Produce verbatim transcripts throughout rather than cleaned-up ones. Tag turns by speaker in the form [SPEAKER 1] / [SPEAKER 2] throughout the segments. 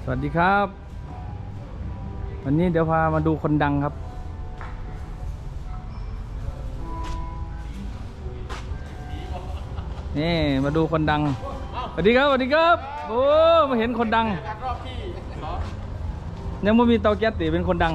[SPEAKER 1] วัสดีครับวันนี้เดี๋ยวพามาดูคนดังครับนี่มาดูคนดังสวัสดีครับสวัสดีครับโอ้มาเห็นคนดังยังไม่มีเตาแก๊สติเป็นคนดัง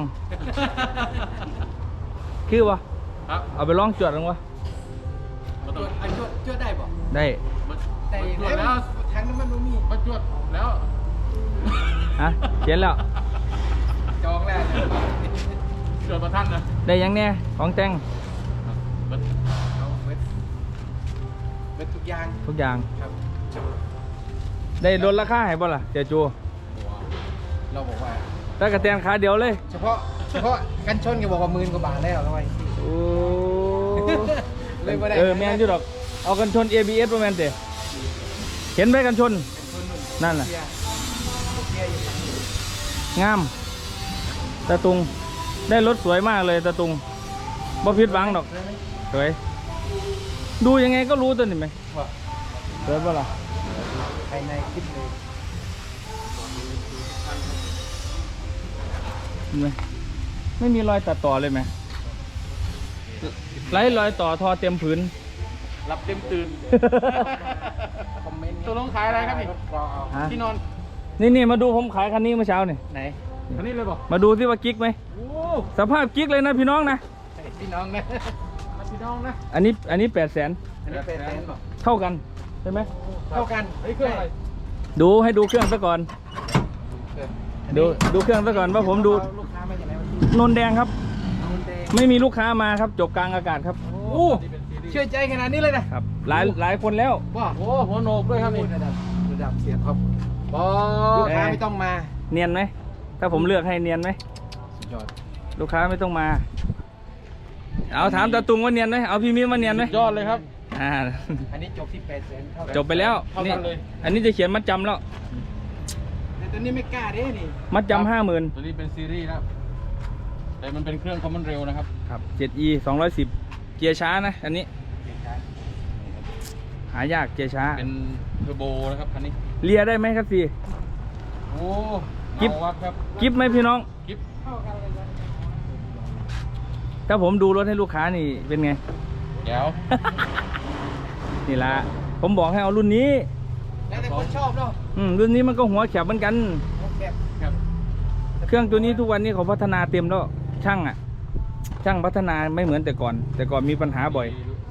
[SPEAKER 1] คือวะเอาไปลองจวดลงวะ
[SPEAKER 2] จวดอันจวดจวดได้ป่ะ
[SPEAKER 1] ได้
[SPEAKER 2] แต่แล้วทางน้ำมันมีมาจวดแล้ว
[SPEAKER 1] ฮะเขียนแล้ว
[SPEAKER 2] จองแล้วจวดมาท่านนะ
[SPEAKER 1] ได้ยังเนี่ยของแต่ง
[SPEAKER 2] เอาเว็บเว็บทุกอย่าง
[SPEAKER 1] ทุกอย่าง
[SPEAKER 2] ครับ
[SPEAKER 1] ได้ลดราคาให้บ่ล่ะเจ้าจู
[SPEAKER 2] เราบอกว่า
[SPEAKER 1] ถ้ากระเตียนขาเดียวเลย
[SPEAKER 2] เฉพาะเฉพาะกันชนก็บอกว่าหมื่นกว่าบาทแล้วทำไม
[SPEAKER 1] โอ้
[SPEAKER 2] เลยไม่ได้
[SPEAKER 1] เออแมนอยู่ดอกเอากันชน เอ บี เอส ประมาณเตะเห็นไหมกันชนนั่นแหละงามตะตุงได้รถสวยมากเลยตะตุงบ่ผิดหวังดอกสวยดูยังไงก็รู้ตัวนี่ไหมสวยป่ะล่ะ
[SPEAKER 2] ภายในคิดเลย
[SPEAKER 1] เห็นไหมไม่มีรอยตัดต่อเลยไหมไร้รอยต่อทอเต็มผืน
[SPEAKER 2] รับเต็มตื่นคอมเมนต์ตัวลงขายอะไรครับนี่ที่นอน
[SPEAKER 1] นี่นี่มาดูผมขายคันนี้เมื่อเช้านี่
[SPEAKER 2] ไหนคันนี้เลยบอก
[SPEAKER 1] มาดูที่ว่ากิ๊กไหมสภาพกิ๊กเลยนะพี่น้องนะ
[SPEAKER 2] พี่น้องนะพี่น้องนะ
[SPEAKER 1] อันนี้อันนี้แปดแสน
[SPEAKER 2] อันนี้แปดแสนบอก
[SPEAKER 1] เท่ากันใช่ไหม
[SPEAKER 2] เท่ากันไอ้เครื่องอะไร
[SPEAKER 1] ดูให้ดูเครื่องซะก่อนดูดูเครื่องซะก่อนว่าผมดูนนแดงครับไม่มีลูกค้ามาครับจบกลางอากาศครับ
[SPEAKER 2] โอ้เชื่อใจขนาดนี้เลยนะครับ
[SPEAKER 1] หลายหลายคนแล้ว
[SPEAKER 2] ว้าโอ้หัวโหนกด้วยครับนี่ระดับระดับเสียท็อปลูกค้าไม่ต้องมา
[SPEAKER 1] เนียนไหมถ้าผมเลือกให้เนียนไหม
[SPEAKER 2] สุดยอด
[SPEAKER 1] ลูกค้าไม่ต้องมาเอาถามตาตุงว่าเนียนไหมเอาพี่มิ้มว่าเนียนไหม
[SPEAKER 2] ยอดเลยครับ
[SPEAKER 1] อ่า
[SPEAKER 2] อันนี้จบที่แปดแสน
[SPEAKER 1] จบไปแล้วนี่อันนี้จะเขียนมัดจำแล้ว
[SPEAKER 2] แต่ตัวนี้ไม่กล้าเด้นี่
[SPEAKER 1] มัดจำห้าหมื่น
[SPEAKER 2] ตัวนี้เป็นซีรีส์นะแต่มันเป็นเครื่องคอมมอนเร็วนะครับ
[SPEAKER 1] ครับ เจ็ด อี สองร้อยสิบเกียร์ช้านะอันนี้หายากเกียร์ช้า
[SPEAKER 2] เป็นเทอร์โบนะครับคันนี้
[SPEAKER 1] เลียได้ไหมครับพี่
[SPEAKER 2] โอ้
[SPEAKER 1] กิฟ
[SPEAKER 2] ครับ
[SPEAKER 1] กิฟไหมพี่น้อง
[SPEAKER 2] กิฟเข้ากันเลยนะ
[SPEAKER 1] ถ้าผมดูรถให้ลูกค้านี่เป็นไง
[SPEAKER 2] เดี๋ยว
[SPEAKER 1] นี่ละผมบอกให้เอารุ่นนี้
[SPEAKER 2] แล้วแต่คนชอบเนาะ
[SPEAKER 1] อืมรุ่นนี้มันก็หัวแคบเหมือนกันเครื่องตัวนี้ทุกวันนี้เขาพัฒนาเต็มแล้วช่างอ่ะช่างพัฒนาไม่เหมือนแต่ก่อนแต่ก่อนมีปัญหาบ่อย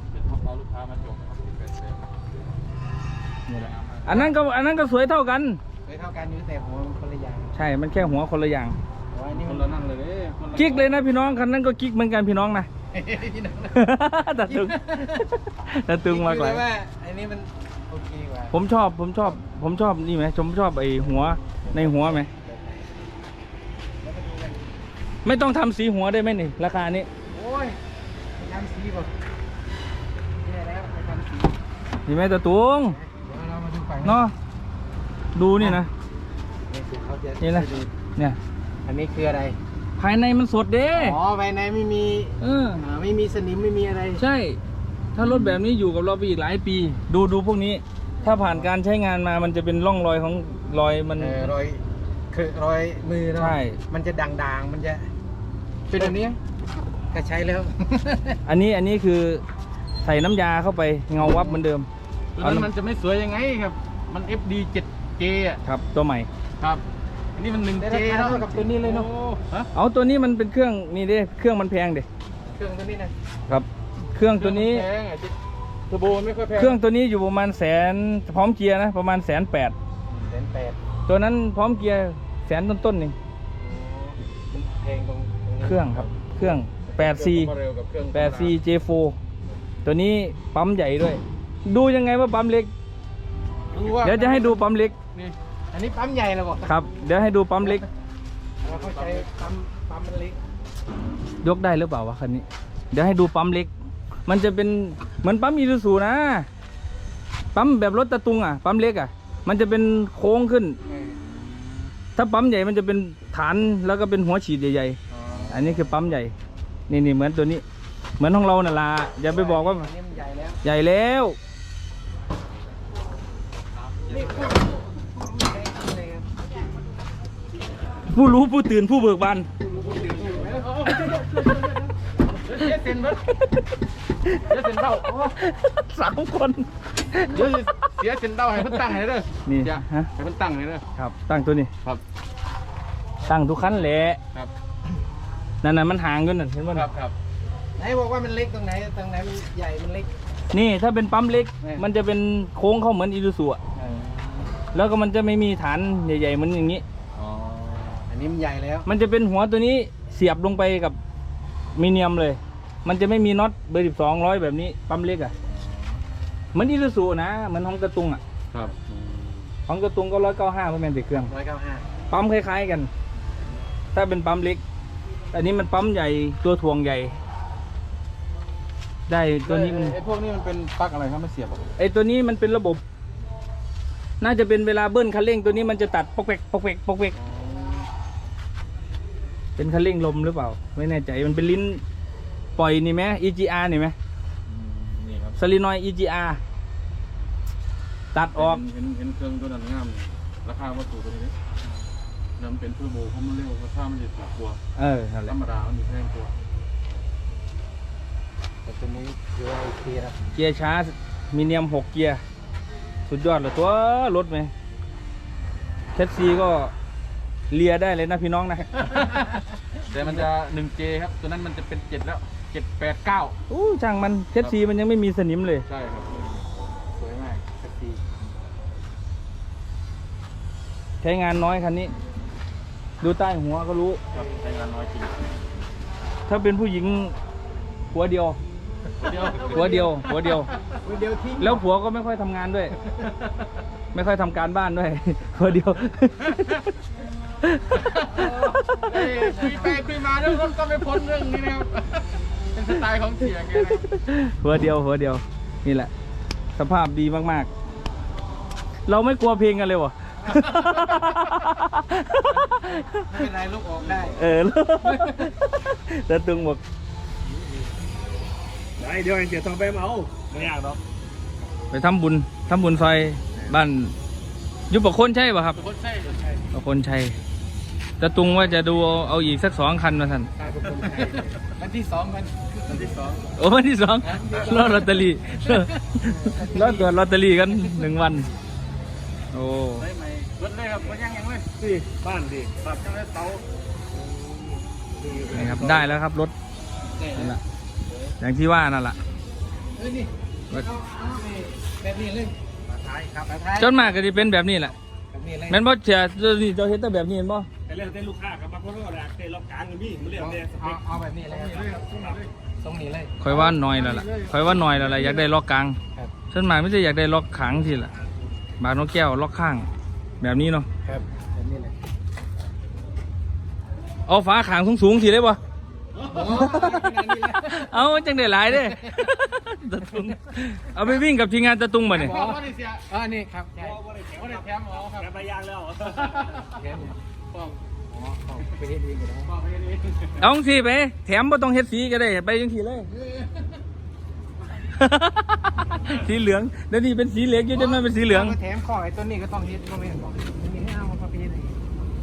[SPEAKER 1] อันนั้นก็อันนั้นก็สวยเท่ากัน
[SPEAKER 2] สวยเท่ากันอยู่แต่หัวคนละอย่าง
[SPEAKER 1] ใช่มันแค่หัวคนละอย่าง
[SPEAKER 2] นี่คนละนั่งเลย
[SPEAKER 1] กิ๊กเลยนะพี่น้องคันนั้นก็กิ๊กเหมือนกันพี่น้องนะตัดตึงตัดตึงมากเลย
[SPEAKER 2] ว่าอันนี้มันโอเคกว่า
[SPEAKER 1] ผมชอบผมชอบผมชอบนี่ไหมผมชอบไอ้หัวในหัวไหมไม่ต้องทำสีหัวได้ไหมนี่ราคานี้
[SPEAKER 2] โอ้ยทำสีป่ะนี่แล้วไปทำสี
[SPEAKER 1] นี่ไหมตะตุงเนาะดูนี่นะนี่นะเนี่ย
[SPEAKER 2] อันนี้คืออะไร
[SPEAKER 1] ภายในมันสดเด้
[SPEAKER 2] อ๋อภายในไม่มี
[SPEAKER 1] เออ
[SPEAKER 2] ไม่มีสนิมไม่มีอะไร
[SPEAKER 1] ใช่ถ้ารถแบบนี้อยู่กับเราไปอีกหลายปีดูดูพวกนี้ถ้าผ่านการใช้งานมามันจะเป็นร่องรอยของรอยมัน
[SPEAKER 2] รอยคือรอยมือเนาะ
[SPEAKER 1] ใช่
[SPEAKER 2] มันจะด่างๆมันจะเป็นแบบนี้ก็ใช้แล้ว
[SPEAKER 1] อันนี้อันนี้คือใส่น้ำยาเข้าไปเงาวับเหมือนเดิม
[SPEAKER 2] แล้วมันจะไม่สวยยังไงครับมัน เอฟ ดี เจ็ด เจ อ่ะ
[SPEAKER 1] ครับตัวใหม่
[SPEAKER 2] ครับอันนี้มัน หนึ่ง เจ เท่ากับตัวนี้เลยเนาะ
[SPEAKER 1] เอาตัวนี้มันเป็นเครื่องนี่ดิเครื่องมันแพงดิ
[SPEAKER 2] เครื่องตัวนี้นะครับ
[SPEAKER 1] เครื่องตัวนี้
[SPEAKER 2] แพงอ่ะเทอร์โบไม่ค่อยแพง
[SPEAKER 1] เครื่องตัวนี้อยู่ประมาณแสนพร้อมเกียร์นะประมาณแสนแปด
[SPEAKER 2] แสนแปด
[SPEAKER 1] ตัวนั้นพร้อมเกียร์แสนต้นๆนี่
[SPEAKER 2] แพงตรง
[SPEAKER 1] เครื่องครับเครื่องแปดซีแปดซี เจ โฟร์ ตัวนี้ปั๊มใหญ่ด้วยดูยังไงว่าปั๊มเล็กเดี๋ยวจะให้ดูปั๊มเล็ก
[SPEAKER 2] อันนี้ปั๊มใหญ่แล้วบอก
[SPEAKER 1] ครับเดี๋ยวให้ดูปั๊มเล็ก
[SPEAKER 2] เราเข้าใจปั๊มปั๊มมันเล็ก
[SPEAKER 1] ยกได้หรือเปล่าวะคันนี้เดี๋ยวให้ดูปั๊มเล็กมันจะเป็นเหมือนปั๊มอีซูซูนะปั๊มแบบรถตะตุงอ่ะปั๊มเล็กอ่ะมันจะเป็นโค้งขึ้นถ้าปั๊มใหญ่มันจะเป็นฐานแล้วก็เป็นหัวฉีดใหญ่ๆอันนี้คือปั๊มใหญ่นี่นี่เหมือนตัวนี้เหมือนของเราน่ะล่ะอย่าไปบอกว่าใหญ่แล้วผู้รู้ผู้ตื่นผู้เบิกบาน
[SPEAKER 2] เดี๋ยวเซ็นเบิดเดี๋ยวเซ็นเต้า
[SPEAKER 1] สามคน
[SPEAKER 2] เดี๋ยวเสียเซ็นเต้าให้เพิ่นตั้งให้เด้อ
[SPEAKER 1] นี่
[SPEAKER 2] อย่า
[SPEAKER 1] ฮะ
[SPEAKER 2] ให้เพิ่นตั้งให้เด้อ
[SPEAKER 1] ครับ ตั้งตัวนี้
[SPEAKER 2] ครับ
[SPEAKER 1] ตั้งทุกคันแหละ
[SPEAKER 2] ครับ
[SPEAKER 1] นั่นน่ะมันห่างกันน่ะเห็นมั้ย
[SPEAKER 2] ครับครับ
[SPEAKER 3] ไหนบอกว่ามันเล็กตรงไหนตรงไหนมันใหญ่มันเล็ก
[SPEAKER 1] นี่ถ้าเป็นปั๊มเล็ก
[SPEAKER 2] แม่
[SPEAKER 1] มันจะเป็นโค้งเข้าเหมือนอีซูซุอะแล้วก็มันจะไม่มีฐานใหญ่ๆเหมือนอย่างนี้
[SPEAKER 2] อ๋อ
[SPEAKER 3] อันนี้มันใหญ่แล้ว
[SPEAKER 1] มันจะเป็นหัวตัวนี้เสียบลงไปกับมีเนียมเลย มันจะไม่มีน็อตเบอร์สิบสองร้อยแบบนี้ปั๊มเล็กอะเหมือนอีซูซุนะเหมือนของกระตุงอะ
[SPEAKER 2] ครับ
[SPEAKER 1] ของกระตุงก็ร้อยเก้าห้าเพราะมันติดเครื่อง
[SPEAKER 3] ร้อยเก้าห้า
[SPEAKER 1] ปั๊มคล้ายๆกัน ถ้าเป็นปั๊มเล็ก อันนี้มันปั๊มใหญ่ตัวถ่วงใหญ่ ได้ตัวนี้มัน
[SPEAKER 2] ไอ้พวกนี้มันเป็นปลั๊กอะไรครับไม่เสียบหรอ
[SPEAKER 1] ไอตัวนี้มันเป็นระบบ น่าจะเป็นเวลาเบิ้ลคันเร่งตัวนี้มันจะตัดปอกแปกปอกแปกปอกแปกเป็นคันเร่งลมหรือเปล่า ไม่แน่ใจมันเป็นลิ้นปล่อยนี่ไหม อี จี อาร์ นี่ไหม
[SPEAKER 2] นี่ครับ
[SPEAKER 1] สลินอย อี จี อาร์ ตัดออก
[SPEAKER 2] เห็นเห็นเครื่องตัวนั้นงามราคาวัตถุตัวนี้นั่นเป็นเทอร์โบเพราะมันเร็วราคามันจะถูกกว่า
[SPEAKER 1] เออนั่นแห
[SPEAKER 2] ธ
[SPEAKER 1] ละ
[SPEAKER 2] รรมดามันมีแพงกว่า
[SPEAKER 3] แต่ตัวนี้คือว่าโอเคนะ
[SPEAKER 1] เกียร์ช้ามีเนียมหกเกียร์สุดยอดเลยตัวรถไหมแคทซีก็เลียได้เลยนะพี่น้องนะ
[SPEAKER 2] แต่มันจะ หนึ่งเจ ครับตัวนั้นมันจะเป็นเจ็ดแล้วเจ็ด แปด เก้า
[SPEAKER 1] อู้ช่างมันแคทซีมันยังไม่มีสนิมเลย
[SPEAKER 2] ใช่ครับสวยมากสักที
[SPEAKER 1] ใช้งานน้อยคันนี้ ดูใต้หัวก็รู้
[SPEAKER 2] ครับใช้งานน้อยจริง
[SPEAKER 1] ถ้าเป็นผู้หญิงหัวเดียว
[SPEAKER 2] เดียว
[SPEAKER 1] หัวเดียว หัวเดียว
[SPEAKER 3] เดียวทิ้ง
[SPEAKER 1] แล้วผัวก็ไม่ค่อยทำงานด้วย ไม่ค่อยทำการบ้านด้วย หัวเดียว
[SPEAKER 2] เอ้ยคุยไปคุยมาเรื่องรถก็ไม่พ้นเรื่องนี้นะครับเป็นสไตล์ของเสียแกนะครับ
[SPEAKER 1] หัวเดียว หัวเดียว นี่แหละ สภาพดีมากๆ เราไม่กลัวเพลงกันเลยวะ
[SPEAKER 3] ไม่เป็นไรลูกออกได้
[SPEAKER 1] เออ แต่ตึงบอก
[SPEAKER 4] ได้เดี๋ยวเดี๋ยวต้องไปเอาไม่ยากหรอก
[SPEAKER 1] ไปทำบุญทำบุญซอยบ้านอยุบปะคนใช่ป่ะครับ
[SPEAKER 2] เป็นคนใช่
[SPEAKER 1] ปะคนชัยแต่ตุงว่าจะดูเอาเอาอีกสักสองคันมาท่าน
[SPEAKER 2] วันที่สองวันวันที่สอง
[SPEAKER 1] โอ้วันที่สองรอลอตเตอรี่รอตรวจลอตเตอรี่กันหนึ่งวัน โอ้
[SPEAKER 2] ใช่ไหมรถเลยครับมันยังยังเลย
[SPEAKER 4] สิบ้านดิ
[SPEAKER 2] ปรับจังเลยเตา
[SPEAKER 1] นี่ครับได้แล้วครับรถนั่นแหละอย่างที่ว่านั่นแหละ
[SPEAKER 3] เอ้ยนี่เอาเอานี่แบบนี้เลยมาท้ายครับมาท้าย
[SPEAKER 1] จนมากก็จะเป็นแบบนี้แหละ
[SPEAKER 3] แบบนี้เลย
[SPEAKER 1] แม่นบ่เสียเจ้านี่เจ้าเฮ็ดแต่แบบนี้เห็นบ่
[SPEAKER 4] แต่เรื่องเต้นลูกค้ากับบางคนก็แหละเต้นรอบกลางกันพี่มันเรื่อง
[SPEAKER 3] เอา
[SPEAKER 4] เต้นส
[SPEAKER 3] เอา
[SPEAKER 4] เปค
[SPEAKER 3] เอาแบบนี้เลยตรงนี้เลย
[SPEAKER 1] คอยว่าน้อยแล้วล่ะคอยว่าน้อยแล้วล่ะอยากได้ล็อกกลาง
[SPEAKER 3] ครับ
[SPEAKER 1] ส่วนมากไม่ใช่อยากได้ล็อกขังทีละบางนกแก้วล็อกข้าง แบบนี้เนาะ
[SPEAKER 3] ครับแบบนี้เลย
[SPEAKER 1] เอาฝาขางสูงๆทีได้ป่ะ
[SPEAKER 3] โอ้ขนาดนี้เลย
[SPEAKER 1] เอาจังได้หลายเด้ ตะตุงเอาไปวิ่งกับทีมงานตะตุงมาเนี่ย
[SPEAKER 2] พ่อว่าได้เสีย
[SPEAKER 3] อ่านี่ครับใช่
[SPEAKER 2] ว่าได้แถมหมอครับ
[SPEAKER 4] แกไปยางแล้ว
[SPEAKER 3] แค่นี้
[SPEAKER 2] พ่อ
[SPEAKER 3] อ๋อเอาไปเฮ็ดเองก็ได้
[SPEAKER 2] พ่อไปนี่
[SPEAKER 1] เอาจังสิไปแถมบ่ต้องเฮ็ดสีก็ได้ไปจังสีเลย สีเหลืองเดี๋ยวนี้เป็นสีเหลืองอยู่จนมันเป็นสีเหลือง
[SPEAKER 3] าแถมข้อไอ้ต้นนี้ก็ต้องเฮ็ดก็ไม่นบอกมีให้เอามาไปเฮ็ดเอง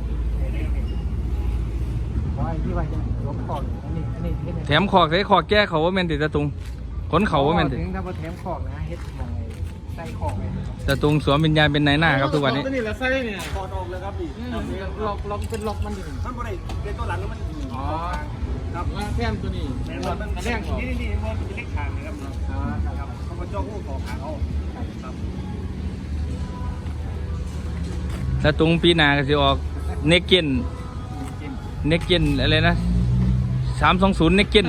[SPEAKER 3] ขอไอ้ที่ว่าจะลบข้ออันนี้อันนี้เฮ็ดให้
[SPEAKER 1] แถมขอกใส่ขอกแก้เขาว่าแม่นติตะตุงขนเขาว่าแม่นติ
[SPEAKER 3] ถึงถ้าบ่แถมขอกนะเฮ็ดมองไอ้ใส่ขอกไว้
[SPEAKER 1] ตะตุงสวมวิญญาณเป็นนายหน้าครับทุกวันนี้
[SPEAKER 2] นี่แหละไส้เนี่ย
[SPEAKER 4] ถอดออกเลยครับพี่
[SPEAKER 3] ล็อกล็อกเป็นล็อกมันดิ
[SPEAKER 4] ท่านบ่ได้เต้นตัวหลังแล้วมัน
[SPEAKER 2] อ๋อครับแถมตัวนี้
[SPEAKER 4] แม่นมันแรงนี่นี่มันเป็นเล็กขางนะครับเนาะ
[SPEAKER 3] อ๋อครับ
[SPEAKER 4] เขามาจ้องหูขอขางเอาครับ
[SPEAKER 1] ตะตุงปีหน้าก็สิออกเนกเกนเนกเกนอะไรนะสามสองศูนย์เนกเกน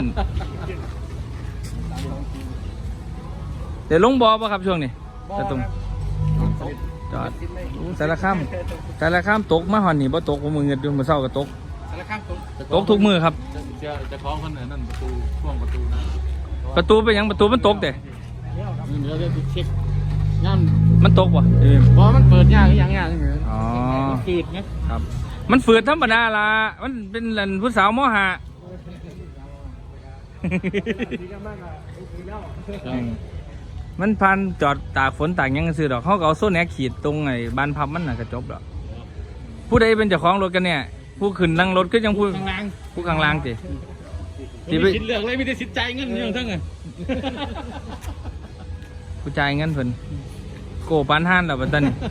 [SPEAKER 1] เดี๋ยวลงบอป่ะครับช่วงนี้ตะตุงจอดอู้สารคามสารคามตกมาหอนนี่บ่ตกบ่มือเงินอยู่มื้อเช้าก็ตก
[SPEAKER 2] สารข้างตรง
[SPEAKER 1] ตกทุกมือครับ
[SPEAKER 2] จะจะคล้องคนนั่นประตูช่วงประตูนะ
[SPEAKER 1] ประตูเป็นหยังประตูมันตกเด้
[SPEAKER 2] เดี๋ยวจะเช็คงาน
[SPEAKER 1] มันตกบ่เออ
[SPEAKER 2] เพราะมันเปิดยากอย่างเงี้ยอย่างเงี้ย
[SPEAKER 1] อ๋อ
[SPEAKER 2] จืดไง
[SPEAKER 1] ครับ มันฝืดธรรมดาล่ะมันเป็นหลันผู้สาวมอหา
[SPEAKER 4] ดีกันมากอ่ะดีแล้ว
[SPEAKER 1] มันพันจอดตากฝนตากหยังซื้อดอกเขาก็เอาโซ่แหนกขีดตรงไอ้บานพับมันน่ะก็จบแล้วผู้ใดเป็นเจ้าของรถกันเนี่ยผู้ขึ้นนั่งรถก็ยังผู้
[SPEAKER 2] ข้างล่าง
[SPEAKER 1] ผู้ข้างล่างสิ ที่
[SPEAKER 2] ที่
[SPEAKER 1] ไป
[SPEAKER 2] ไปคิดเลือกเลยไม่ได้สิทธิ์ใจเงินอย่างทั้งไง
[SPEAKER 1] ผู้จ่ายเงินเพิ่นโกปานห้านแล้วบัดตอนนี้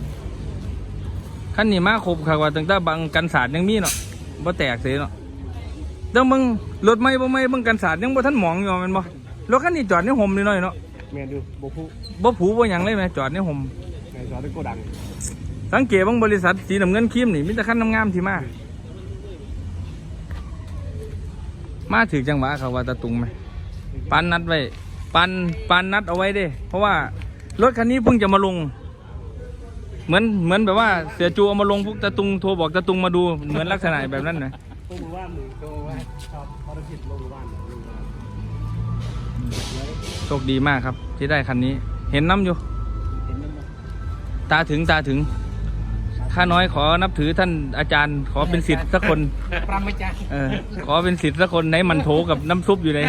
[SPEAKER 1] คันนี้มาครบค่ะว่าตั้งแต่บังกันศาสตร์ยังมีเนาะบ่แตกเสียเนาะต้องมึงรถไม่บ่ไม่เบิ่งกันศาสตร์ยังบ่ทันหมองอยู่แม่นบ่รถคันนี้จอดในห่มนิดหน่อยเนาะ
[SPEAKER 4] แมนดูโบคุ
[SPEAKER 1] บ่ผูบ่หยังเลยแม่จอดในห่ม
[SPEAKER 4] แมนจอดด้วยโกดัง
[SPEAKER 1] สังเกตบางบริษัทสีน้ำเงินครีมนี่มีแต่คันงามๆที่มา มาถึงจังหวะเขาว่าตะตุงไหมปันนัดไว้ปันปันนัดเอาไว้เด้ เพราะว่ารถคันนี้เพิ่งจะมาลง เหมือนเหมือนแบบว่าเสียจูเอามาลงพวกตะตุงโทรบอกตะตุงมาดูเหมือนลักษณะแบบนั้นนะ
[SPEAKER 4] โตมือว่านหนึ่งโตว่าชอบภารกิจลงมือว่าน
[SPEAKER 1] โชคดีมากครับ ที่ได้คันนี้ เห็นน้ำอยู่
[SPEAKER 4] เห็นไหม
[SPEAKER 1] ตาถึงตาถึงข้าน้อยขอนับถือท่านอาจารย์ ขอเป็นศิษย์สักคน
[SPEAKER 3] ปรำไม่จ้า
[SPEAKER 1] เออขอเป็นศิษย์สักคนไหนมันโถกับน้ำซุปอยู่ไหน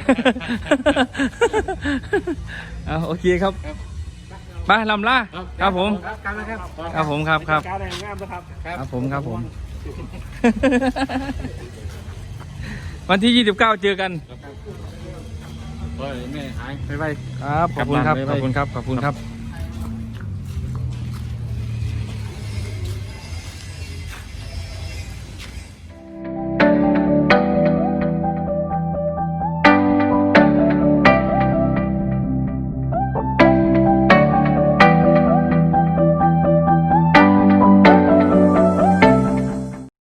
[SPEAKER 1] เอาโอเคครับไปลำล่าครับผม
[SPEAKER 3] ครับครับนะครับ
[SPEAKER 1] ครับผมครับครับ
[SPEAKER 4] การแรงงามนะครับ
[SPEAKER 1] ครับผมครับผม วันที่ยี่สิบเก้าเจอกัน
[SPEAKER 2] เฮ้ยแม่หาย
[SPEAKER 1] บ๊ายบายครับขอบคุณครับขอบคุณครับขอบคุณครับ